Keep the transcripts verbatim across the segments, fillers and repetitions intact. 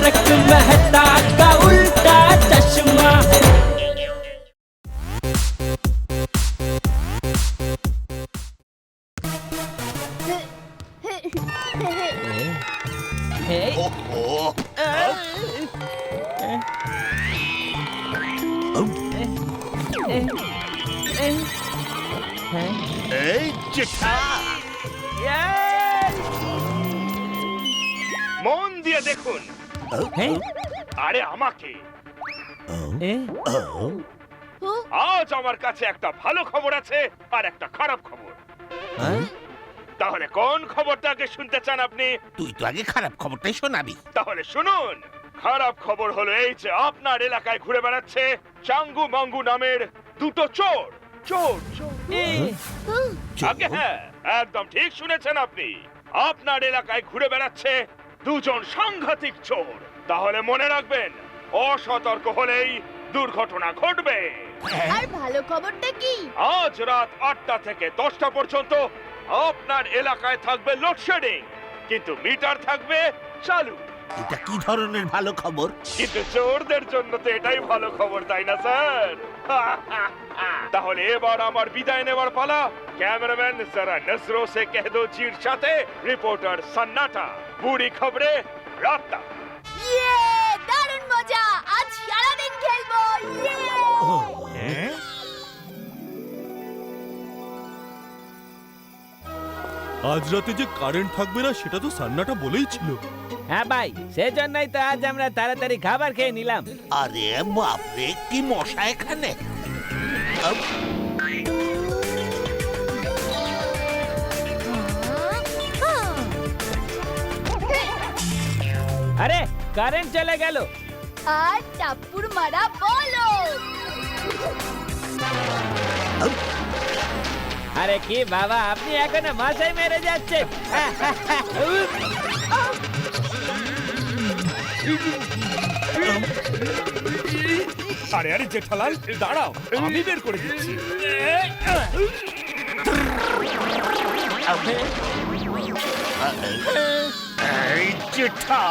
तारक मेहता का उल्टा चश्मा। এই জেঠা মন দিয়ে দেখুন। আরে আমাকে আজ আমার কাছে একটা ভালো খবর আছে আর একটা খারাপ খবর। তাহলে কোন খবরটাকে শুনতে চান আপনি? তুই তো আগে খারাপ খবরটাই শোনাবি। তাহলে শুনুন, খারাপ খবর হলো এই যে আপনার এলাকায় ঘুরে বেড়াচ্ছে চাঙ্গু মাঙ্গু নামের দুটো চোর। চোর চোর আগে হ্যাঁ, একদম ঠিক শুনেছেন আপনি। আপনার এলাকায় ঘুরে বেড়াচ্ছে দুজন সাংঘাতিক চোর। তাহলে মনে রাখবেন, অসতর্ক হলেই দুর্ঘটনা ঘটবে। আর ভালো খবরটা কি? আজ রাত আটটা থেকে দশটা পর্যন্ত আপনার এলাকায় থাকবে লোডশেডিং, কিন্তু মিটার থাকবে চালু। এটা কি ধরনের ভালো খবর? কিন্তু চোরদের জন্য তো এটাই ভালো খবর, তাই না স্যার? তাহলে এবার আমার বিদায় নেবার পালা। ক্যামেরাম্যান জরা নজরো সে কহ দো জির সাথে রিপোর্টার সন্নাটা, বুড়ি খবরে রাতটা। ইয়ে, দারুণ মজা! আজ সারা দিন খেলবো। ইয়ে! আজ রাতে যে কারেন্ট থাকবে না সেটা তো সান্নাটা বলেই ছিল। হ্যাঁ ভাই, সেজন্যই তো আজ আমরা তাড়াতাড়ি খাবার খেয়ে নিলাম। আরে বাপরে, কি মশা এখানে! আরে কারেন্ট চলে গেল। আর টাপ্পুর মারা বলো। আরে কি বাবা, আপনি এখনো মাথায় মেরে যাচ্ছেন। আরে আরে জেঠালাল দাঁড়াও, আমি বের করে দিচ্ছি। এই জেঠা,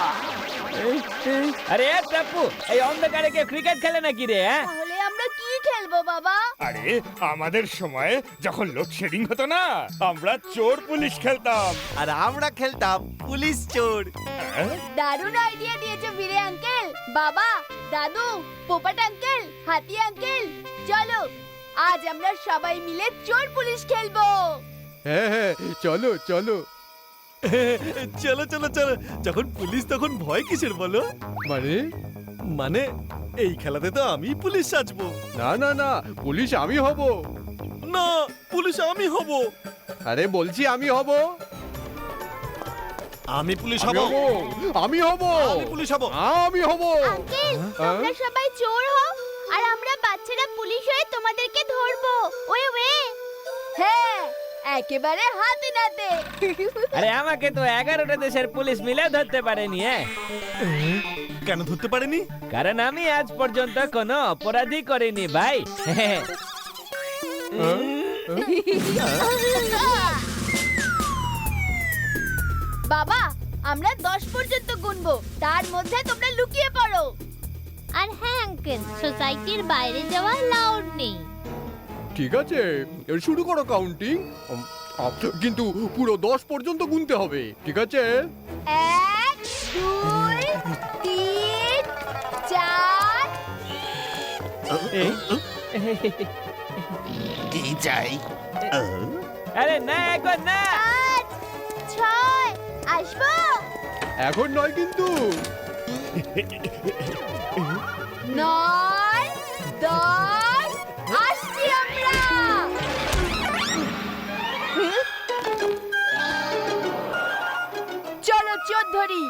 আরে টাপ্পু, এই অন্ধকারে কেউ ক্রিকেট খেলে নাকি রে? হ্যাঁ, তাহলে আমরা কি খেলবো বাবা? আরে আমাদের সময় যখন লোডশেডিং হতো না, আমরা চোর পুলিশ খেলতাম। আর আমরা খেলতাম পুলিশ চোর। দারুণ আইডিয়া দিয়েছো বীরে আঙ্কেল। বাবা, দাদু, পোপাট আঙ্কেল, হাতি আঙ্কেল, চলো আজ আমরা সবাই মিলে চোর পুলিশ খেলবো। হ্যাঁ হ্যাঁ, চলো চলো চলো চলো চলো। যখন পুলিশ তখন ভয় কিসের বলো? মানে মানে এই খেলাতে তো আমি পুলিশ সাজবো। না না না, পুলিশ আমি হব। না, পুলিশ আমি হব। আরে বলছি আমি হব। আমি পুলিশ হব। আমি হব। আমি পুলিশ হব। আমি হব। আঙ্কেল, তোমরা সবাই চোর হও আর আমরা বাচ্চারা পুলিশ হয়ে তোমাদেরকে ধরবো। ওয়ে ওয়ে, হ্যাঁ, একেবারে হাতে নাতে। আরে আমাকে তো এগারোটা দেশের পুলিশ মিলে ধরতে পারেনি। হ্যাঁ, কেন ধরতে পারেনি? কারণ আমি আজ পর্যন্ত কোনো অপরাধী করিনি ভাই। বাবা, আমরা দশ পর্যন্ত গুনবো, তার মধ্যে তোমরা লুকিয়ে পড়ো। আর হ্যাঁ আঙ্কেল, সোসাইটির বাইরে যাওয়া লাউড নেই। ঠিক আছে, এবার শুরু করো কাউন্টিং, কিন্তু পুরো দশ পর্যন্ত গুনতে হবে। ঠিক আছে? এক, দুই, তিন, চার। কি চাই? আরে না, এখন না। পাঁচ, ছয়, আসবো? এখন নয় কিন্তু। নয়, দশ, আসছি আমরা। চলো চোর ধরি।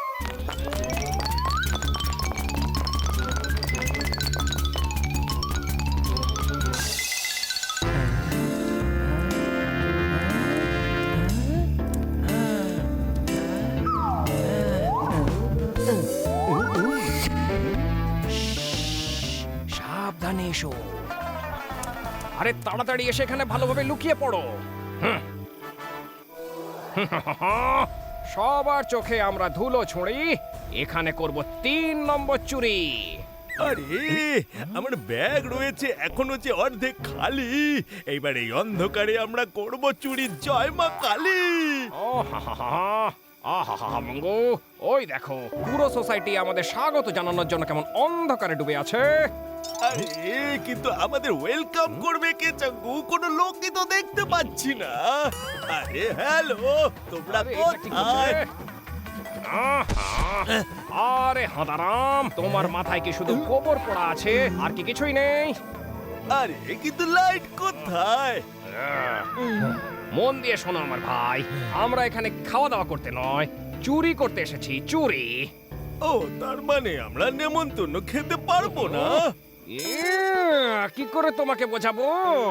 সাবধানে এসো। আরে তাড়াতাড়ি এসে এখানে ভালোভাবে লুকিয়ে পড়ো। সবার চোখে আমরা ধুলো ছুঁড়ি এখানে করব তিন নম্বর চুরি। আরে আমার ব্যাগ রয়েছে এখনো যে অর্ধেক খালি। এইবার এই অন্ধকারে আমরা করব চুরি। জয় মা কালী। ও হা হা হা আহা হা হা মঙ্গু, ওই দেখো পুরো সোসাইটি আমাদের স্বাগত জানানোর জন্য কেমন অন্ধকারে ডুবে আছে। আরে কিন্তু আমাদের ওয়েলকাম করবে কে চাঙ্গু? কোনো লোকই তো দেখতে পাচ্ছি না। আরে হ্যালো, তোমরা আরে, এটা কি কোথায়? করছে? আহা, আরে হাঁদারাম, তোমার মাথায় কি শুধু গোবর পড়া আছে আর কি কিছুই নেই? আরে কিন্তু লাইট কোথায়? মন দিয়ে শোনো আমার ভাই, আমরা এখানে খাওয়া দাওয়া করতে নয়, চুরি করতে এসেছি। চুরি। ও তার মানে আমরা নেমন্তন্ন খেতে পারবো না? ইয়া, কি করে তোমাকে বোঝাবো?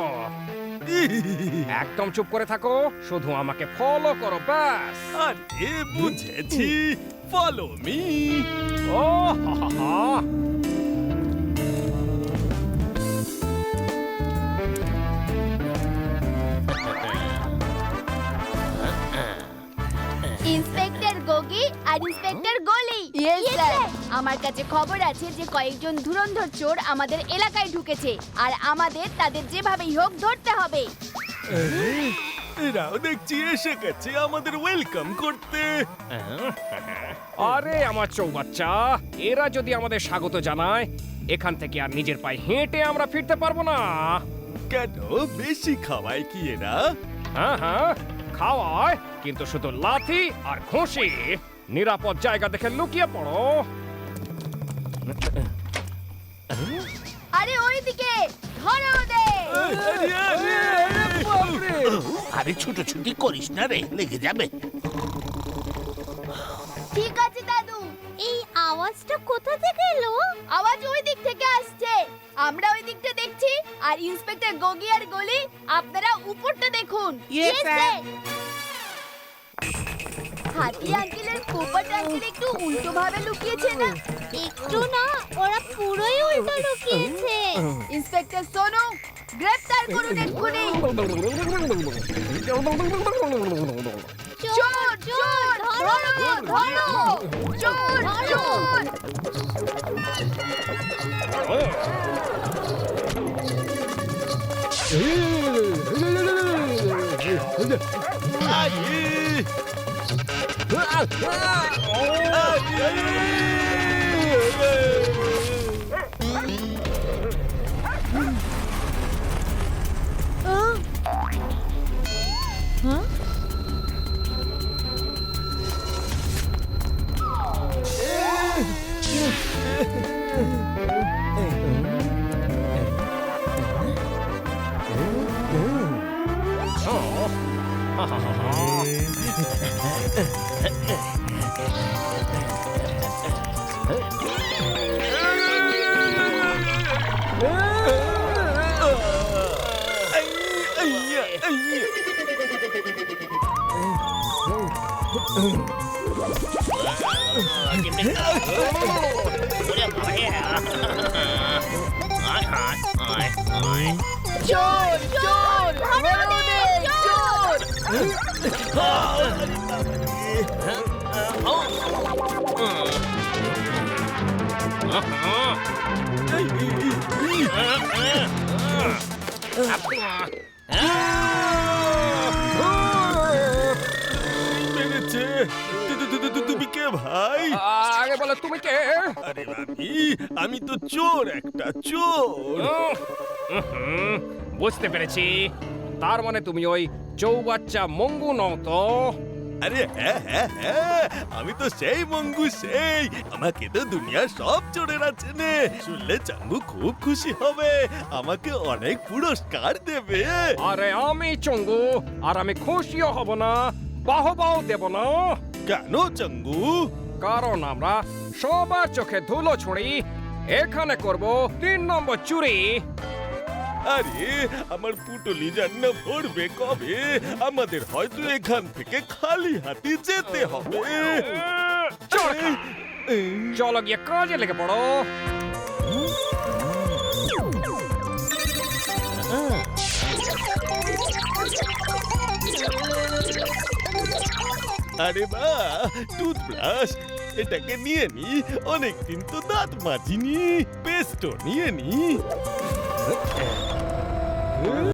একদম চুপ করে থাকো, শুধু আমাকে ফলো করো ব্যাস। আরে বুঝেছি, ফলো মি। ও হা হা হা। ইন্সপেক্টর গোগি আর ইন্সপেক্টর গলি। Yes sir. আমার কাছে খবর আছে যে কয়েকজন ধুরন্ধর চোর আমাদের এলাকায় ঢুকেছে আর আমাদের তাদের যেভাবেই হোক ধরতে হবে। এরাও দেখছি এসে গেছে আমাদের ওয়েলকাম করতে। আরে আমার চৌবাচ্চা, এরা যদি আমাদের স্বাগত জানায়, এখান থেকে আর নিজের পায়ে হেঁটে আমরা ফিরতে পারবো না। কেন বেশি খাওয়ায় কি এরা? হ্যাঁ হ্যাঁ খাওয়ায়, কিন্তু শুধু লাথি আর ঘুষি। নিরাপদ জায়গা দেখে লুকিয়ে পড়ো। আরে ওইদিকে ধরো ওদের। আরে, আরে, আরে, আরে ছুটোছুটি করিস না রে, লেগে যাবে। ঠিক আছে দাদু। এই আওয়াজটা কোথা থেকে এলো? আওয়াজ ওই দিক থেকে আসছে। আমরা ওই দিকটা দেখছি আর ইন্সপেক্টর গোগি আর গলি আপনারা উপরটা দেখুন। Yes, sir. হাতি আঙ্কেলের পোপট আঙ্কেল একটু উল্টো ভাবে লুকিয়েছে না? একটু না, ওরা পুরোই উল্টো লুকিয়েছে। ইন্সপেক্টর সোনু, গ্রেফতার করুন এক্ষুনি। চোর চোর ধরো ধরো চোর চোর। আরে, আইয়া, আইয়া। চোর চোর ধরো ওদের চোর। মেরেছে। তু- তু- তু- তু- তুমি কে ভাই? আগে বলো তুমি কে? আরে আমি আমি তো চোর, একটা চোর। উহ, উহুম, বুঝতে পেরেছি। তার মানে তুমি ওই চৌবাচ্চা মঙ্গু নও তো? আরে হ্যাঁ হ্যাঁ হ্যাঁ, আমি তো সেই মঙ্গু সেই। আমাকে তো দুনিয়ার সব চোরেরা চেনে। শুনলে চাঙ্গু খুব খুশি হবে, আমাকে অনেক পুরস্কার দেবে। আরে আমি চঙ্গু, আর আমি খুশিও হব না, বাহবাও দেব না। কেন চাঙ্গু? কারণ আমরা সবার চোখে ধুলো ছুঁড়ি এখানে করব তিন নম্বর চুরি। আরে আমার পুটলি জান্না ভরবে কবে? আমাদের হয়তো এখান থেকে খালি হাতে যেতে হবে। চোর খা। চলো গিয়ে কাজে লেগে পড়ো। আরে বা টুথব্রাশ এটাকে নিয়ে নি, অনেকদিন তো দাঁত মাজিনি। পেস্টও নিয়ে নি।